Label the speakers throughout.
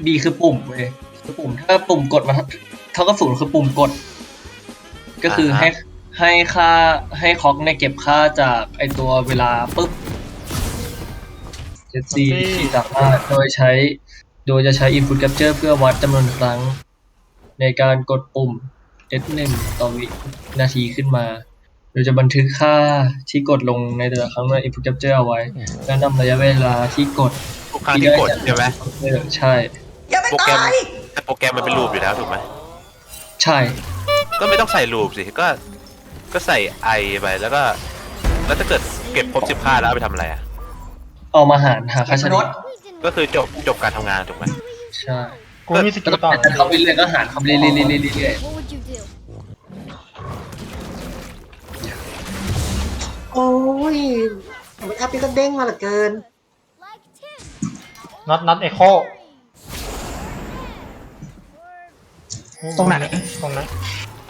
Speaker 1: B คือปุ่มเว้ยคือปุ่มถ้าปุ่มกดมาเท่ากับศูนย์คือปุ่มกดก็คือให้ค่าให้คล็อกเนี่ยเก็บค่าจากไอตัวเวลาปุ๊บ 7C ที่สามารถโดยจะใช้ input capture เพื่อวัดจำนวนครั้งในการกดปุ่ม S1 ต่อวินาทีขึ้นมาโดยจะบันทึกค่าที่กดลงในแต่ละครั้งใน input capture เอาไว้แล้วนำระยะเวลาที่กด
Speaker 2: ทุกครั้งที่กดใช่ไหม
Speaker 1: ใช่
Speaker 2: โปรแกรมแต่โปรแกรมมันเป็นรูปอยู่แล้วถูกไหม
Speaker 1: ใช่
Speaker 2: ก็ไม่ต้องใส่รูปสิก็ใส่ไอไปแล้วถ้าเกิดเก็บครบ10 ค่าแล้วเอาไปทำอะไรอ่ะ
Speaker 1: เอามาหาค่าเฉลี่ย
Speaker 2: ก็คือจบการทำงานถูกไหม
Speaker 1: ใช่
Speaker 3: กูมีสกิลต่อ
Speaker 1: แต่เขาไปเรื่อยก็หารเขาเรื่อย
Speaker 4: โอ้ยไม่อัพนี่ก็เด้งมาเหลือเกิน
Speaker 3: น็อตเอโค
Speaker 4: ตรงไหน
Speaker 3: ตรงนั้น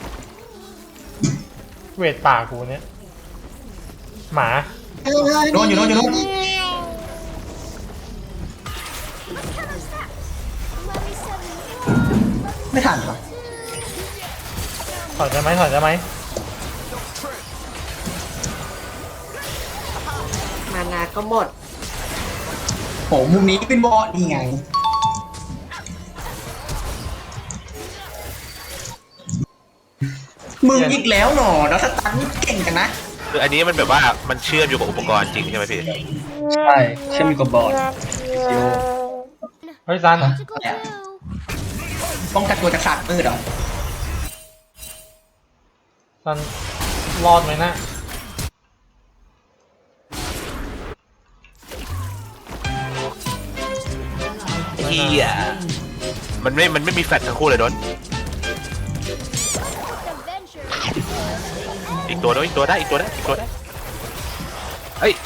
Speaker 3: เวทป่ากูเนี่ยหมา
Speaker 4: โดนอยู่ไม่ทันหรอ
Speaker 3: ถอยได้ไหม
Speaker 4: มานาก็หมดโหมุมนี้เป็นบอสนี่ไงมึงอีกแล้วหนอแล้วสตันเก่งกันนะ
Speaker 2: คืออันนี้มันแบบว่ามันเชื่อมอยู่กับอุปกรณ์จริงใช่ไหมพี่
Speaker 1: ใช่เชื่อมอยู่กับบอร์ด
Speaker 3: เฮ้ยซัน
Speaker 4: ป้องกันตัวจากศาสตร์มืดเหรอ
Speaker 3: ซันรอดไหมนะ
Speaker 2: เฮียมันไม่มีแฟลชทั้งคู่เลยโดนอีกตัวได้เฮ้ย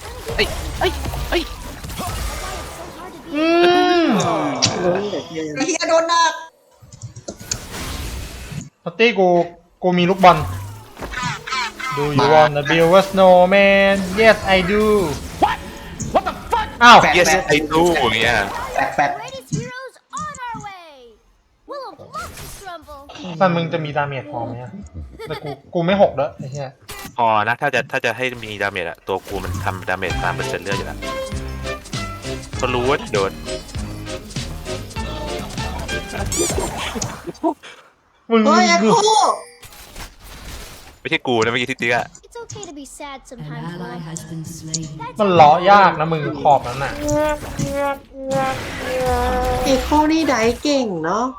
Speaker 4: เฮียโดนหนัก
Speaker 3: นัตตี้กูมีลูกบอล Do you wanna build a snowman Yes I do
Speaker 2: What the fuck
Speaker 3: อ้าว
Speaker 2: Yes I do อย่างเงี้ย
Speaker 4: แฟด
Speaker 3: ซันมึงจะมีดาเมจพอไหมแต่กูไม่6แล้วไอ้เหี้ย
Speaker 2: พอนะถ้าจะให้มีดาเมจอะตัวกูมันทำดาเมจตามเปอร์เซ็นต์เลือดอยู่แล้วก็รู้ว่าโดน
Speaker 3: มึง
Speaker 4: ไม่
Speaker 2: ใช่กูนะเมื่อกี้ที่ติ๊กอะ
Speaker 3: มันเลาะยากนะมึงขอบนั้นน่ะ
Speaker 4: เอโคนี่ได้เก่งเนาะ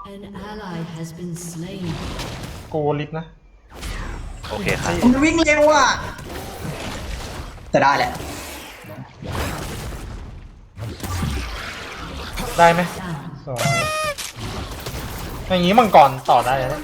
Speaker 3: กูลิฟนะ
Speaker 2: โอเคครับ
Speaker 4: มันวิ่งเร็วอ่ะจะได้แหละ
Speaker 3: ได้ไหมสวยอย่างนี้มังกรต่อได้แล้ว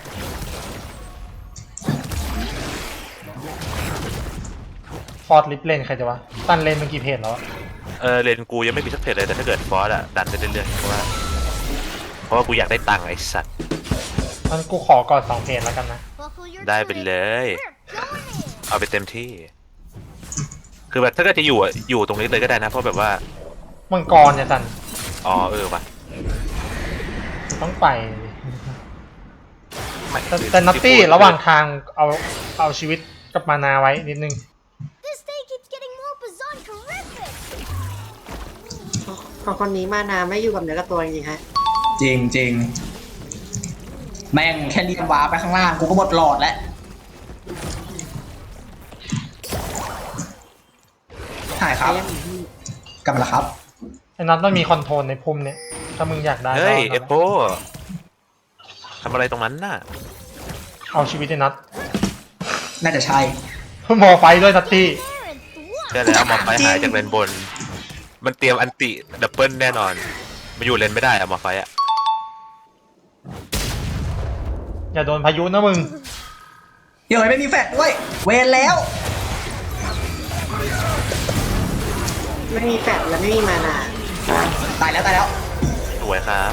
Speaker 3: ฟอร์ดลิฟเลนใครจะวะตันเลนมันกี่เพจแล้ว
Speaker 2: เลนกูยังไม่มีสักเพจเลยแต่ถ้าเกิดฟอสอะดันได้เรื่อยๆเพราะว่ากูอยากได้ตังค์ไอ้สัตว์
Speaker 3: งั้นกูขอก่อน2เพจแล้วกันนะ
Speaker 2: ได้ไปเลยเอาไปเต็มที่คือแบบถ้าเกิดจะอยู่ตรงนี้เลยก็ได้นะเพราะแบบว่า
Speaker 3: มังกรเนี่ยจัน
Speaker 2: ว่ะ
Speaker 3: ต้องไปแต่นัตตี้ระหว่างทางเอาชีวิตกับมานาไว้นิดนึง
Speaker 4: พอคนนี้มานาไม่อยู่กับเนื้อกับตัวจริงๆฮะจริงแม่งแค่เรียนวาไปข้างล่างกูก็หมดหลอดแล้วใช่ครับกลับมาแล้วครับ
Speaker 3: ไอ้นัทต้องมีคอนโทรลในพุ่มเนี่ยถ้ามึงอยากได้
Speaker 2: เฮ้ยเอโปทำอะไรตรงนั้นน่ะ
Speaker 3: เอาชีวิตไอ้นัท
Speaker 4: น่าจะใช่
Speaker 3: มอไฟด้วยนัตตี้
Speaker 2: ใช่แล้วมอไฟหายจากเลนบนมันเตรียมอันติดับเบิลแน่นอนมาอยู่เลนไม่ได้อะมอไฟอะ
Speaker 3: อย่าโดนพายุนะมึง
Speaker 4: เดี๋ยวไม่มีแฟลชด้วยเวรแล้วไม่มีแฟลชและไม่มีมานาตายแล้ว
Speaker 2: สวยครับ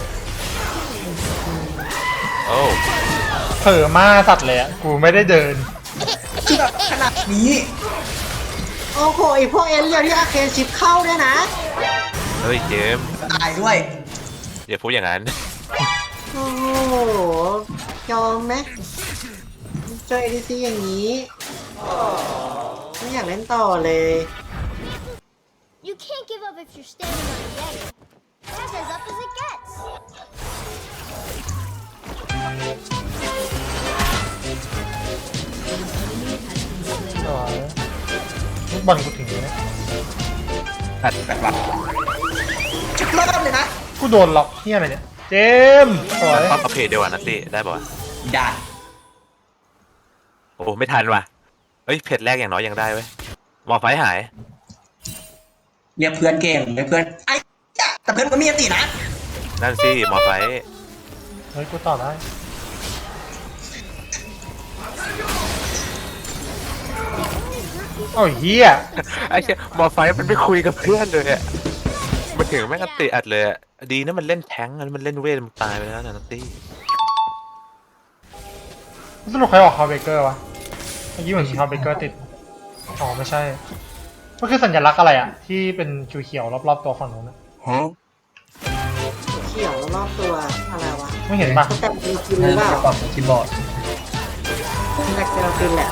Speaker 2: โอ้
Speaker 3: เผลอมาสัตว์เลยอะกูไม่ได้เดิน
Speaker 4: คือแบบขนาดนี้โอ้โหไอพวกเอเลียที่อาเคนชิปเข้าเนี่ยนะ
Speaker 2: เฮ้ยเจม
Speaker 4: ตายด้วย
Speaker 2: อย่าพูดอย่างนั้น
Speaker 4: โอ้โหยอมไหมเจอ ADC อย่างนี้ไม่อยากเล่นต่อเลย
Speaker 5: You can't give up if you're standing on a yeti. That's as up as it gets.
Speaker 3: สวยลูกบอลกูถึงเลย
Speaker 4: แบบว่าจุดเริ่มเลยนะ
Speaker 3: กูโดนล็อกเฮียอะไรเนี่ยเจมส์สวย
Speaker 2: ปั๊บเอาเพจเดียวอ่ะนัตตี้ได้ป่ะวะ
Speaker 4: ได้
Speaker 2: โอ้ไม่ทันว่ะเฮ้ยเพจแรกอย่างน้อยยังได้เว้ยหมอไฟหาย
Speaker 4: เรียกเพื่อนเก่งเรียกเพื่อนไอ้ยะแต่เพื่อนก็มีอันตีนะ
Speaker 2: นั่นสิหมอไฟ
Speaker 3: เฮ้ยกูต่อได้โอ้ยเฮีย
Speaker 2: ไอ้เชี่ยหมอไฟมันไม่คุยกับเพื่อนเลยอะมาถึงแม่งก็ติอัดเลยอะดีนะมันเล่นแท้งอันมันเล่นเวทมันตายไปแล้วนะนัตตี้
Speaker 3: สรุปใครออกฮาวเบเกอร์วะเมื่อกี้เหมือนมีฮาวเบเกอร์ติดอ๋อไม่ใช่มันคือสัญลักษณ์อะไรอะที่เป็นเขียวๆรอบๆตัวฝั่งนู้นอะ
Speaker 4: เขียวรอบตัวอะไรวะ
Speaker 3: ไม่เห็นปะ
Speaker 4: แต่มีกินห
Speaker 1: น่า
Speaker 4: รือเปล่า
Speaker 1: จะปรับคีย์บอร์ด
Speaker 4: แต่เจอกินแหละ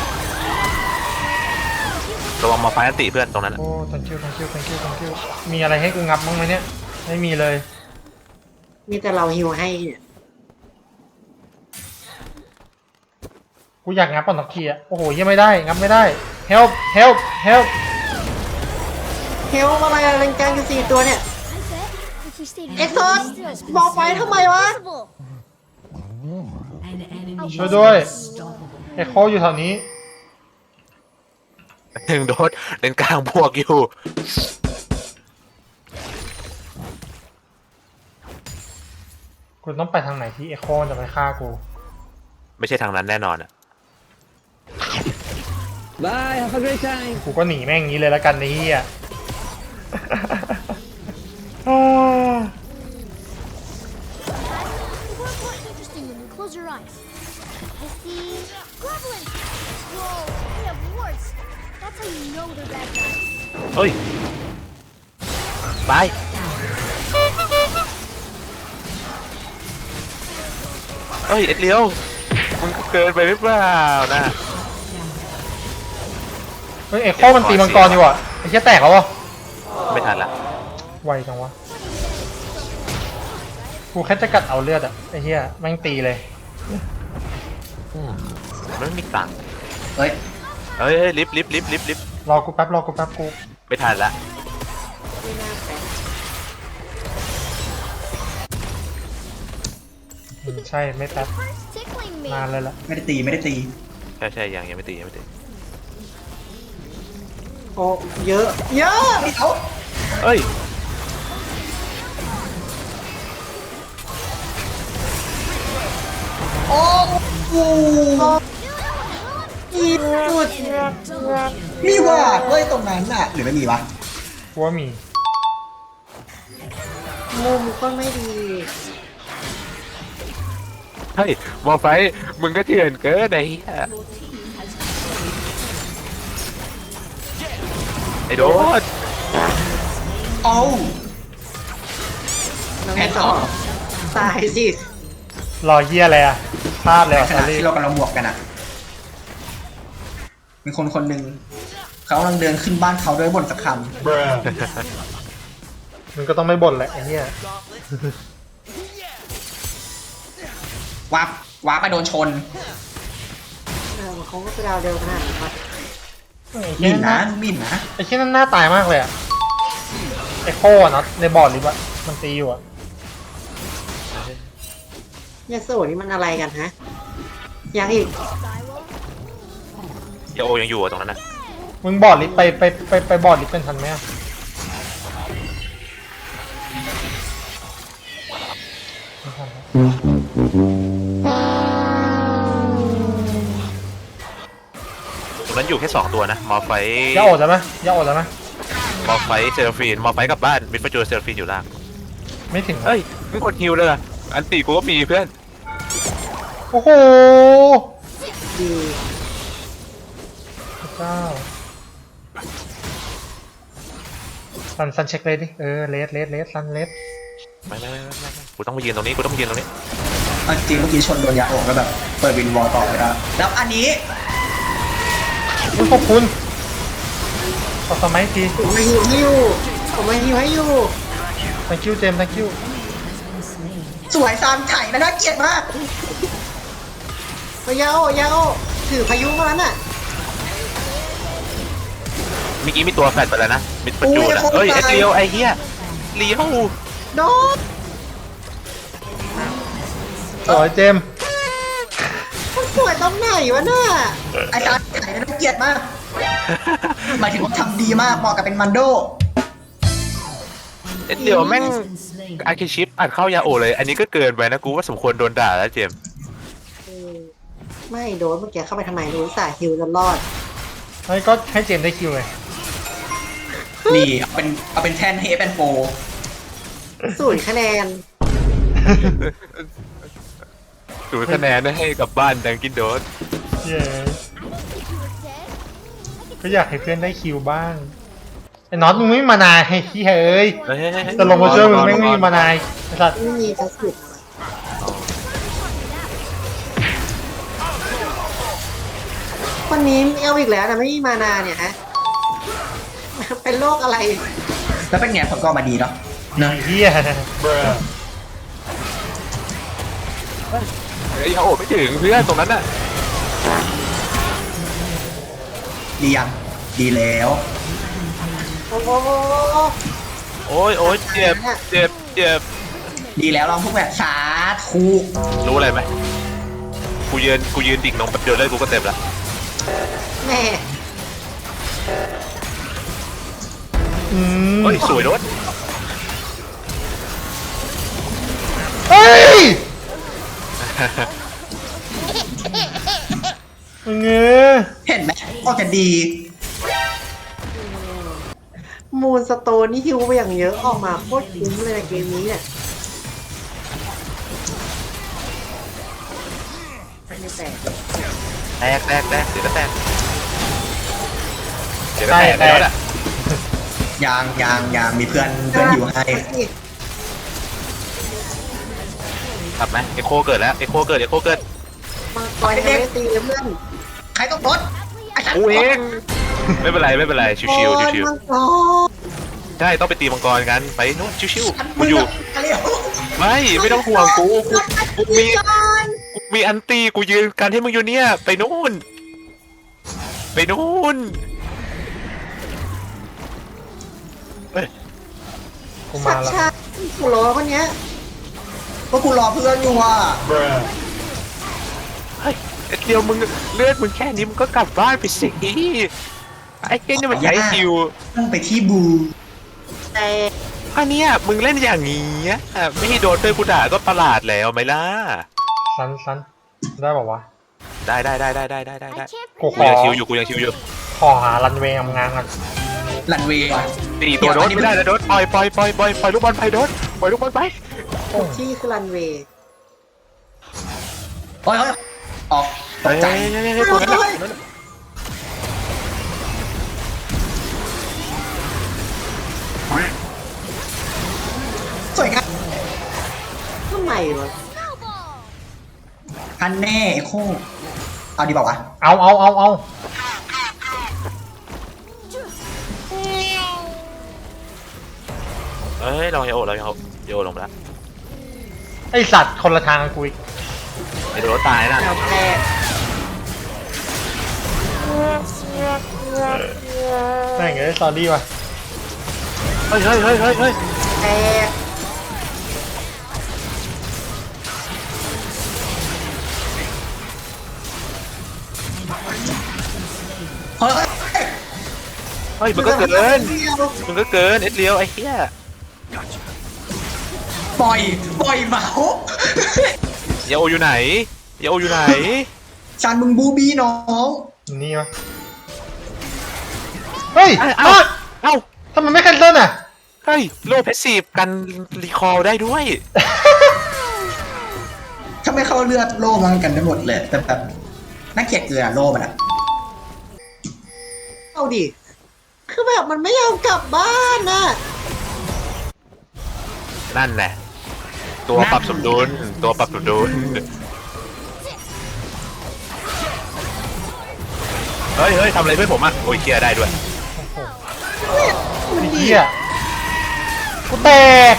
Speaker 2: ระวังหมอไฟอันติเพื่อนตรงนั้นอะ
Speaker 3: โอ้ thank you thank you thank you thank you มีอะไรให้กูงับบ้างไหมเนี่ยไม่มีเลย
Speaker 4: มีแต่เราฮิวให้เนี่ย
Speaker 3: กูอยากงับก่อนสักทีอะโอ้โหยังไม่ได้งับไม่ได้ help help help
Speaker 4: เฮลอะไรอะเล่นกลางกัน4ตัวเนี่ย
Speaker 5: I bet if we stayed in
Speaker 4: เอ็กซ์โซสบอกไปทำไมวะ
Speaker 5: Invisible.
Speaker 3: ช่วยด้วยเอ็โคอยู่แถวนี้
Speaker 2: หนึ่งโดสเล่นกลางบวกอยู่
Speaker 3: กูต้องไปทางไหนที่เอ็โคจะไปฆ่ากู
Speaker 2: ไม่ใช่ทางนั้นแน่นอนอะ
Speaker 6: Bye, have a great time.
Speaker 3: กูก็หนีแม่งงี้เลยแล้วกันไอ้เหี้ย
Speaker 5: More interesting when you close your eyes. I see goblins. Whoa, they have warts. That's how you know they're bad guys.
Speaker 2: เฮ้ยไปเฮ้ยเอ็ดเลียวมึงก็เกินไปหรือเปล่านะ
Speaker 3: เฮ้ยเอ็โคมันตีมังกรอยู่อ่ะไอ้เหี้ยแตกแล้ววะ
Speaker 2: ไม่ทันละ
Speaker 3: ไวจังวะ กูแค่จะกัดเอาเลือดอ่ะไอ้เหี้ยแม่งตีเลย
Speaker 2: มันไม่มีตังค์
Speaker 4: เฮ้ย
Speaker 2: เฮ้ยลิฟต์ลิฟต์ลิฟต์ลิฟต์ลิฟต์
Speaker 3: รอกูแป๊บกู
Speaker 2: ไม่ทันละ
Speaker 4: ไม่น่าแปลก
Speaker 3: ใช่ไม่แป๊บ
Speaker 5: First tickling me.
Speaker 3: นานเลยละ
Speaker 4: ไม่ได้ตี
Speaker 2: ใช่ยังไม่ตียังไม่ตี
Speaker 4: โอ้เยอะเยอะเอา
Speaker 2: เอ้ย
Speaker 4: โอ้โหอีสุดมีว่ะเฮ้ยตรงนั้นน่ะหรือไม่มีวะ
Speaker 3: กูว่ามี
Speaker 4: มุมก็ไม่ดี
Speaker 2: เฮ้ยมอไฟมึงก็เถื่อนเกินไอ้เหี้ยไอ้โดด
Speaker 4: เอาน้องแอนต่อตายสิ
Speaker 3: รอเหี้ยอะไรอ่ะพลาดเลย
Speaker 4: ใน
Speaker 3: อ่ะ
Speaker 4: ข
Speaker 3: ซา
Speaker 4: ณะ
Speaker 3: รี่
Speaker 4: ที่เรากำลังบวกกันอ่ะ มีคนหนึ่งเขากำลังเดินขึ้นบ้านเขาด้วยบ่นสักค
Speaker 3: มึงก็ต้องไม่บ่นแหละไอ้เหี้ย
Speaker 4: ำวับไปโดนชนเขาก็ไปดาวเร็วขนาดนี้ครับ
Speaker 3: ไอ้
Speaker 4: มิ
Speaker 3: เหี้ย
Speaker 4: น
Speaker 3: นั่
Speaker 4: นะ
Speaker 3: น
Speaker 4: มินนะ
Speaker 3: ไอ้เหี้ยนั่นหน้าตายมากเลยอ่ะไอ้โคอะเนาะในบอร์ดลิฟต์อะมันตีอยู่อ่ะ
Speaker 4: ยาโซนี่มันอะไรกันฮะ ยังอีก
Speaker 2: เดี๋ยวโอยังอยู่อะตรงนั้นนะ
Speaker 3: มึงบอร์ดลิฟต์ไปบอร์ดลิฟต์เป็นทันไหมอะไม่ทันครับ
Speaker 2: ตรงนั้นอยู่แค่2ตัวนะมอไฟ
Speaker 3: อย่าอดแล้วไหมอย่าอดแล้วไหม
Speaker 2: มอไฟเซลฟีนมอไฟกลับบ้านมิดฟจูเซลฟีนอยู่ล่าง
Speaker 3: ไม่ถึง
Speaker 2: เฮ้ยมึงกดฮิวเลยอะอันตีกูก็มีเพื่อน
Speaker 3: โอ้โห
Speaker 4: ดี
Speaker 3: พระเจ้าซันเช็คเลยดิเลสซันเลส
Speaker 2: ไม่กูต้องมายืนตรงนี้กูต้องมายืนตรงนี้
Speaker 4: เอาจริงเมื่อกี้ชนโดนยาอกแล้วแบบเปิดวินวอลต่อไม่ได้แล้วอันนี้
Speaker 3: ขอบคุณขอสมัยที
Speaker 4: ผมมาฮิวให้อยู่ผมมาฮิวให้อยู่
Speaker 3: thank you เจมส์ thank you
Speaker 4: สวยซานไข่นะน่าเกลียดมากยาโอยาโอถือพายุมาแล้วน่ะ
Speaker 2: เมื่อกี้มีตัวแฟดไปแล้วนะมิดประจูดอะเฮ้ยเอ็ดเลียวไอ้เหี้ยเลี้ยว
Speaker 4: โดน
Speaker 3: สวยเจมส์
Speaker 4: มันสวยตรงไหนวะน่ะไอ้ซานไข่นะน่าเกลียดมากหมายถึงว่าทำดีมากเหมาะกับเป็นมันโด
Speaker 2: เอ็ดเลียวแม่งอาร์คิชิปอัดเข้ายาโอเลยอันนี้ก็เกินไปนะกูว่าสมควรโดนด่าแล้วเจมส์
Speaker 4: ไม่โดนเมื่อกี้เข้าไปทำไมรู้สาฮิวจนรอด
Speaker 3: แล้วก็ให้เจมส์ได้คิวไง
Speaker 4: นี่เอาเป็นแทนเฮเป็นโฟ0 คะแนน
Speaker 2: ดูคะแนนให้กับบ้านดังกินโดส
Speaker 3: เย้ก็อยากให้เพื่อนได้คิวบ้างไอ้น็อตมึงไม่มีมานาให้ที่เฮ้ย
Speaker 2: เฮ้ย
Speaker 3: แต่ลงมาช่วยมึงไม่มีมานาไอ้สัตว์
Speaker 4: ไม่มีกระสุนวันนี้เอาอีกแล้วนะไม่มีมานาเนี่ยฮะ เป็นโรคอะไร แล้วเป็นไงผลก็ออกมาดีเนาะ
Speaker 3: ไอ้เหี้ย
Speaker 2: เฮ้ยยาโอไม่ถึงเพื่อนตรงนั้นน่ะ
Speaker 4: ดียังดีแล้ว โอ้โห
Speaker 2: โอ้ยเจ็บ
Speaker 4: ดีแล้วลองพวกแบบสาธุ
Speaker 2: รู้อะไรไหมกูยืนดิ่งลงแป๊บเดียวเลยกูก็เต็มละ
Speaker 4: แม่
Speaker 2: เฮ้ยสวยโดส
Speaker 3: เฮ้ยมึงเงี้ย
Speaker 4: เห็นไหมออกจะดี มูนสโตนนี่ฮิวไปอย่างเยอะออกมาโคตรคุ้มเลยในเกมนี้เนี่ยไม่แตก
Speaker 2: เดี๋ยวก็แตกแล้วอ่ะ
Speaker 4: ยังมีเพื่อนอยู่ให้
Speaker 2: กลับไหมเอโคเกิดแล้วเอโคเกิด
Speaker 4: มาคอยยังไม่ได้ตีเลยเพื่อนใครต้องรถ
Speaker 2: กูเองไม่เป็นไรชิวใช่ต้องไปตีมังกรกันไปนู่นชิวๆกูอยู่ไม่ต้องห่วงกูมีอันตีกูยืนกันให้มึงอยู่เนี่ยไปนู่นเฮ้ย
Speaker 3: กูมาแล้ว
Speaker 4: กูรอคนเนี้ยก็กูรอเพื่อนอยู่อ่ะ
Speaker 2: เฮ้ยเดียวมึงเลือดมึงแค่นี้มึงก็กลับบ้านไปสิไอ้เก้นี่มันใช้คิว
Speaker 4: ต้องไปที่บูแต่
Speaker 2: อันเนี้ยมึงเล่นอย่างนี้ไม่ให้โดนด้วยกูด่าก็ประหลาดแล้วไหมล่ะ
Speaker 3: สันได้บอกว่าวะ
Speaker 2: ได้
Speaker 5: I can't
Speaker 3: กู
Speaker 2: กูยังชิวอยู่
Speaker 3: ขอหารันเวย์งานก่อน
Speaker 4: รันเวย์
Speaker 2: ตีตัวโดนไม่ได้นะโดนปล่อยลูกบอลไปโดนปล่อยลูกบอลไป
Speaker 4: ที่คือรันเวย์เฮ้ยออกต
Speaker 2: เฮ้
Speaker 4: ก
Speaker 2: ย
Speaker 4: ใจ
Speaker 2: ตัวนั้น
Speaker 4: สวยงามทำไมวะ
Speaker 5: snowball.
Speaker 4: อันแน่ไอ้โคเอาดีบอกวะ
Speaker 3: เอา
Speaker 2: เฮ้ยเราโยลงไปแล้ว
Speaker 3: ไอสัตว์คนละทางกับกูอีก
Speaker 2: ไอ้โดนตายนะ
Speaker 4: แล้วแพ้
Speaker 3: แม่งไอ้ซอรี่ว่ะ
Speaker 2: เฮ้ย
Speaker 4: แพ้
Speaker 3: เฮ้ย
Speaker 2: เฮ้ยมึงก็เกินเอ็ดเลียวไอ้เหี้ย
Speaker 4: ปล่อยเมาส์
Speaker 2: ยาโออยู่ไหน
Speaker 4: จานมึงบูบี้น้อง
Speaker 3: นี่วะเฮ้ย
Speaker 2: เอ้า
Speaker 3: ทำไมไม่แคนเซิลอ่ะ
Speaker 2: เฮ้ยโลเพสซีฟกันรีคอลได้ด้วย
Speaker 4: ถ้าไม่เข้าเลือดโล่มันกันได้หมดเลยแต่แบบน่าเกลียดเกลือโล่มันอะเอาดิคือแบบมันไม่ยอมกลับบ้านน่ะ
Speaker 2: นั่นแหละตัวปรับสมดุลตัวปรับสมดุลเฮ้ยทำอะไรเพื่อนผมอ่ะโอ้ยเคลียร์ได้ด้วย
Speaker 3: ไอ้เหี้ยกูแตก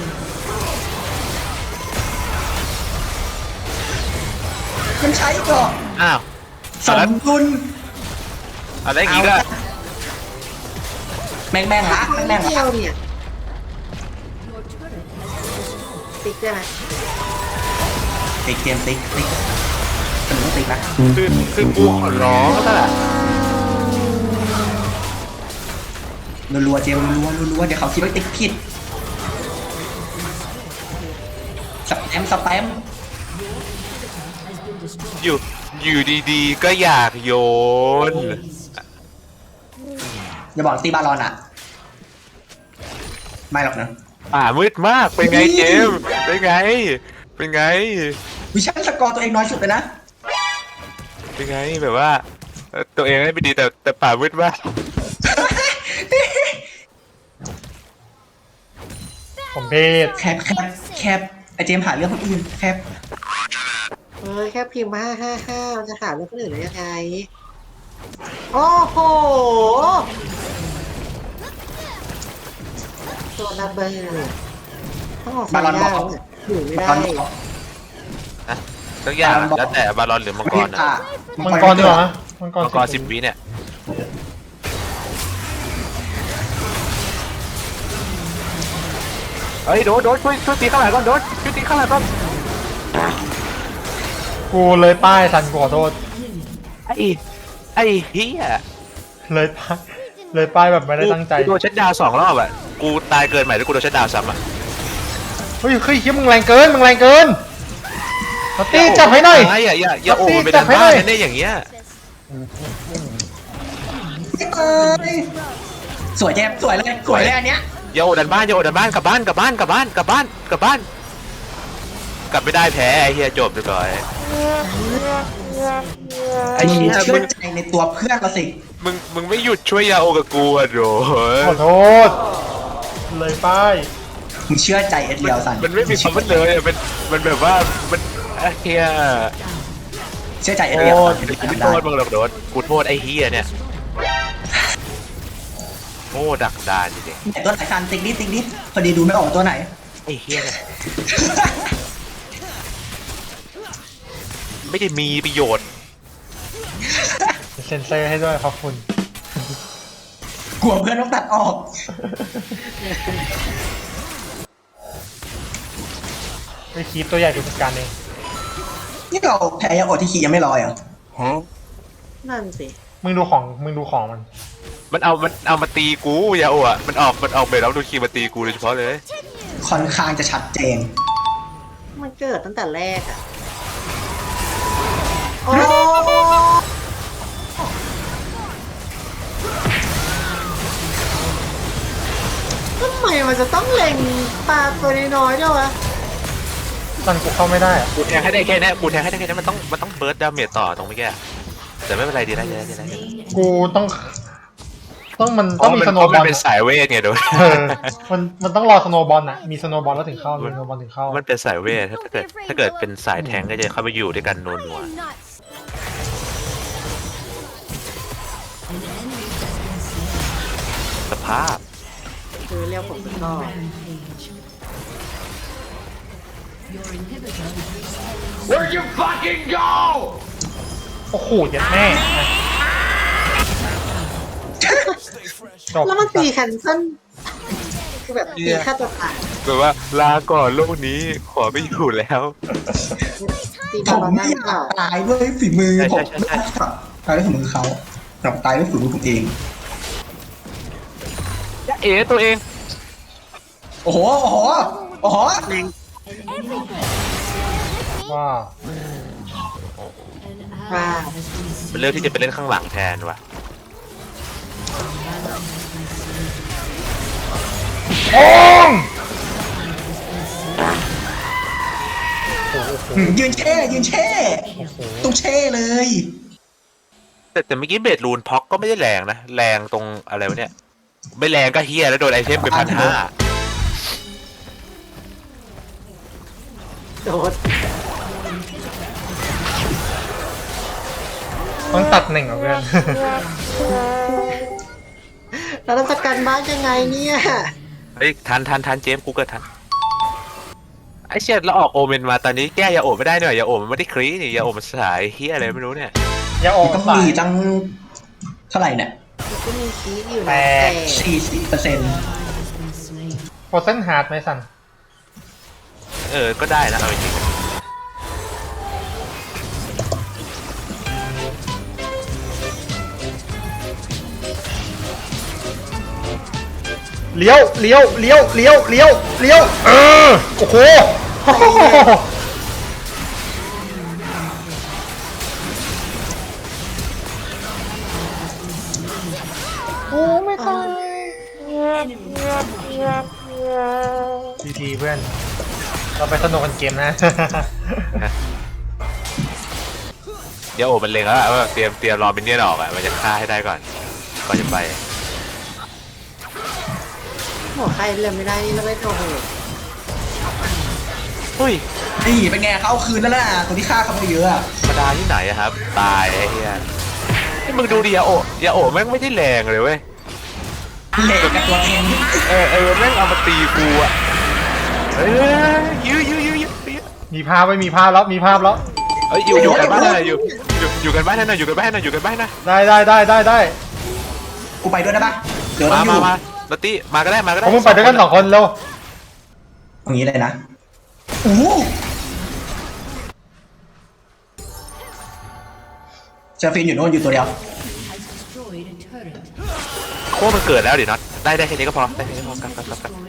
Speaker 4: มันใช้ก่อน
Speaker 2: อ้าว
Speaker 4: สมดุล
Speaker 2: อะไรอีกอะ
Speaker 4: แม่งละแม่ง
Speaker 7: เดีย
Speaker 4: ละ
Speaker 7: วเนี่ยติ๊กได้ไหม
Speaker 4: ติ๊กเกมติ๊กสนุกติ๊กนะ
Speaker 2: คือกูขอร้องแล้วล่ะ
Speaker 4: รัวๆเจมรัวเดี๋ยวเขาคิดว่าติ๊กผิดสแปม
Speaker 2: อยู่ดีๆก็อยากโยน
Speaker 4: อย่าบอกตีบาลอนอ่ะไม่หรอกนะ
Speaker 2: มืดมากเป็นไงเจมส์เป็นไง
Speaker 4: วิชั่นสกอร์ตัวเองน้อยสุดเลยนะ
Speaker 2: เป็นไงแบบว่าตัวเองไม่ดีแต่ป่ามืดมาก
Speaker 3: ผมเพศ
Speaker 4: แคบไอเจมหาเรื่องคนอื่นแคบ
Speaker 7: แค่พิมพ์มา555มันจะหาเรื่องคนอื่นได้ยังไง โอ้โหตัวระเบิดต้องออกสายยาวเนี่ยอยู่ไม่
Speaker 4: บา
Speaker 7: ได้
Speaker 4: ลอนบอก
Speaker 2: ทุกอย่างแล้วแต่บาลอนหรือมังกรนะ
Speaker 3: มังกรดีกว่านะมังกร
Speaker 2: มังกร10 วิเนี่ยเฮ้ยโดดช่วยตีข้างหลังก่อนช่วยตีข้างหลังก่อน
Speaker 3: กูเลยป้ายทันกูขอโทษ
Speaker 2: ไอ้เฮีย
Speaker 3: เลยป้ายแบบไม่ได้ตั้งใจ
Speaker 2: กูโดนชัดดาวน์2 รอบอ่ะกูตายเกินใหม่แล้วกูโดนชัดดาวน์ซ้ำอ่ะ
Speaker 3: เฮ้ยเฮียมึงแรงเกินมาตี้จับให้หน่อย
Speaker 2: อย่าโอ้มันไปดันบ้านนั่นได้อย่างเงี้ย
Speaker 4: สวยเจมสวยเลยอันเนี้ย
Speaker 2: อย่าโอ้ดันบ้านกลับบ้านกลับไม่ได้แพ้ไอ้เฮียจบไปก่อนไอ้
Speaker 4: มึง
Speaker 2: เฮีย
Speaker 4: เชื่อใจในตัวเพื่อนเราสิ
Speaker 2: มึงไม่หยุดช่วยยาโอกับกูอ่ะโด
Speaker 3: ขอโทษเลยป้าย
Speaker 4: มึงเชื่อใจเอ็ดเดียวสัน
Speaker 2: มันไม่มีคำว่าเลยมันแบบว่ามันเฮีย
Speaker 4: เชื่อใจเอ็ดเดียว
Speaker 2: กูโทษมึงหรอกโดนกูโทษไอ้เฮียเนี่ยโง่ดักดานจริง
Speaker 4: แต่ตัวไหนสันติ๊กนิดพอดีดูไม่ออกตัวไหน
Speaker 2: ไอ้เฮียเนี่ยไม่ได้มีประโยชน์
Speaker 3: เซ็นเซอร์ให้ด้วยขอบคุณ
Speaker 4: กลัวเพื่อนต้องตัดออก
Speaker 3: ไปคีบตัวใหญ่เป็นจัดการเอง
Speaker 4: นี่เราแพ้ยังอดที่ขี่ยังไม่ลอยเหรอ
Speaker 7: นั่นสิ
Speaker 3: มึงดูของมัน
Speaker 2: มันเอามาตีกูยาโอะมันออกเบรแล้วดูคีมาตีกูโดยเฉพาะเลย
Speaker 4: ค่อนข้างจะชัดเจน
Speaker 7: มันเกิดตั้งแต่แรกอ่ะ โอ้ทำไมมันจะต้องเล็งปลาตัวน้อยๆด้วยวะ
Speaker 3: ตันกูเข้าไม่ได้อะ
Speaker 2: กูแทงให้ได้แค่นี้มันต้องเบิร์ดดาเมจต่อตรงเมื่อกี้แต่ไม่เป็นไรดีได้
Speaker 3: กูต้องมันต้องมีสโนว์บอล
Speaker 2: เป็นสายเวทไงโดน
Speaker 3: มันต้องรอสโนว์บอลน่ะมีสโนว์บอลแล้วถึงเข้ามีสโนว์บอลถึงเข้า
Speaker 2: มันเป็นสายเวทถ้าเกิดเป็นสายแทงก็จะเข้าไปอยู่ด้วยกันนัว
Speaker 5: I am nuts.
Speaker 2: สภาพ
Speaker 7: คือเรียกผมเป็นก็
Speaker 3: โอ้โหเยัดแม่จบ
Speaker 7: แล้วมันตีแคนเซิลคือแบบตีฆ่าตัวตาย
Speaker 2: แบบว่าลาก่อนโลกนี้ขอไม่อยู่แล้ว
Speaker 7: ตี
Speaker 4: ผ
Speaker 7: บอล
Speaker 4: ม
Speaker 7: ได้
Speaker 4: ไม่
Speaker 7: ห
Speaker 4: อ
Speaker 7: รือเปล่าย
Speaker 4: ากตายด้วยฝีมือ
Speaker 2: ใช่
Speaker 4: ผม
Speaker 2: ใช่
Speaker 4: ตายด้วยฝีมือเขาแต่ตายด้วยฝีมือผมเอง
Speaker 2: เอ๋ตัวเอง
Speaker 4: โอ้โห
Speaker 3: ว่า
Speaker 7: ว่า
Speaker 2: มันเลือกที่จะไปเล่นข้างหลังแทนว่ะ
Speaker 3: โอ้ง
Speaker 4: ยืนเช่ต้องเช่เลย
Speaker 2: แต่เมื่อกี้เบดรูนพ็อกก็ไม่ได้แรงนะแรงตรงอะไรวะเนี่ยไม่แรงก็เฮียแล้วโดนไอเทมไป1,500
Speaker 7: โดน
Speaker 3: ต้องตัดหนึ่งเหรอเพื่อน
Speaker 7: เราต้องจัดการบ้านยังไงเนี่ย
Speaker 2: เฮ้ยทันเจมส์กูเกิดทันไอ้เชี่ยแล้วออกโอเมนมาตอนนี้แก้ยาโอบไม่ได้เนี่ยยาโอบมันไม่ได้คลีนี่ยาโอบมันสายเฮียอะไรไม่รู้เนี่ย
Speaker 3: อย่าออก
Speaker 4: ต้อง
Speaker 3: สาย
Speaker 4: มีตั้งเท่าไหร่เนี่ย
Speaker 7: มันก็มีคีย์อยู่
Speaker 3: แป
Speaker 7: นะ
Speaker 3: ด
Speaker 7: แต่
Speaker 4: 40%
Speaker 3: โปรเซนฮาร์ดไหมสัน
Speaker 2: ก็ได้นะเอาจริง
Speaker 3: เลี้ยวเลี้ยวเลี้ยวเลี้ยวเลี้ยวเลี้ยวโอ้โหโอ้ไม่ตายทีเพื่อน เราไปสนุกกันเกมนะ
Speaker 2: ยาโอบมันเล็งแล้วว่าเตรียมรอมินเนี่ยนออกอ่ะมันจะฆ่าให้ได้ก่อนจะไป
Speaker 7: หัวใครเล่นไม่ได้นี่แล้วไม่โอ้โห
Speaker 2: เฮ้ย
Speaker 4: นี่เป็นไงเขาเอาคืนแล้วล่ะตัวที่ฆ่าเขาไปเยอะอะ
Speaker 2: ธรรมดาที่ไหนอะครับตายไอ้เฮียนี่มึงดูดิยาโอบแม่งไม่ได้แรงเลยเว้ย
Speaker 4: เหล็กกับตัวเอง
Speaker 2: แม่งเอามาตีกูอ่ะยื้อ
Speaker 3: มีภาพไว้มีภาพแล้วมีภาพแล้ว
Speaker 2: อยู่กันบ้านหน่อยอยู่กันบ้านหน่อยอยู่กันบ้านหน่อยอยู่กันบ้านหน่อย
Speaker 3: ได้
Speaker 4: กูไปด้วยได้ปะเดี๋ยวต้องอยู่
Speaker 2: มาลอตตี้มาก็ได้
Speaker 3: ผมมึงไปด้วยกัน2 คนเร็ว
Speaker 4: ตรงนี้เลยนะโอ้โหเซอร์ฟินอยู่โน่นอยู่ตัวเดียว
Speaker 2: โค้มันเกิดแล้วดิน็อตได้แค่นี้ก็พอได้แค่นี้พอกัน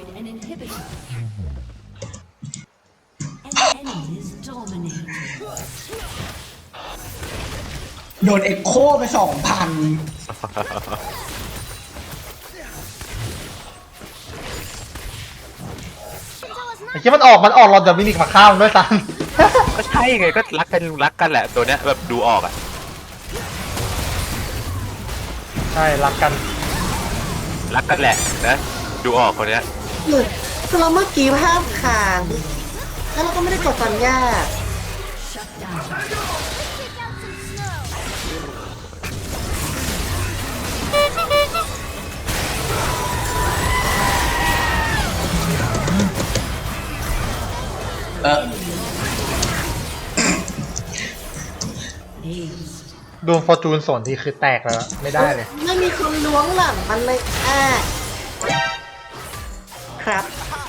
Speaker 4: โดนเอ็กโคไป 2,000
Speaker 3: ไอ้เหี้ยมันออกหลอดเดี๋ยวมินิกมาฆ่ามันด้วยซ้
Speaker 2: ก็ใช่ไงก็รักกันแหละตัวเนี้ยแบบดูออกอ่ะ
Speaker 3: ำใช่รักกัน
Speaker 2: รักกันแหละนะดูออกคนเนี้ย
Speaker 7: หลุดคือเราเมื่อกี้ภาพค้างแล้วเราก็ไม่ได้กดสัญญา
Speaker 3: ดูฟอร์จูนส่วนที่คือแตกแล้วไม่ได้เลย
Speaker 7: ไม่มีคนล้วงหลังมันเลยครับ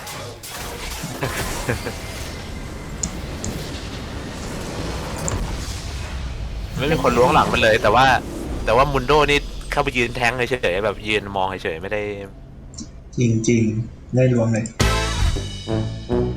Speaker 2: ไม่มีคนล้วงหลังมันเลย แต่ว่ามุนโดนี่เข้าไปยืนแทงเฉยๆแบบยืนมองเฉยๆไม่ได้
Speaker 4: จริงๆได้รวมเลย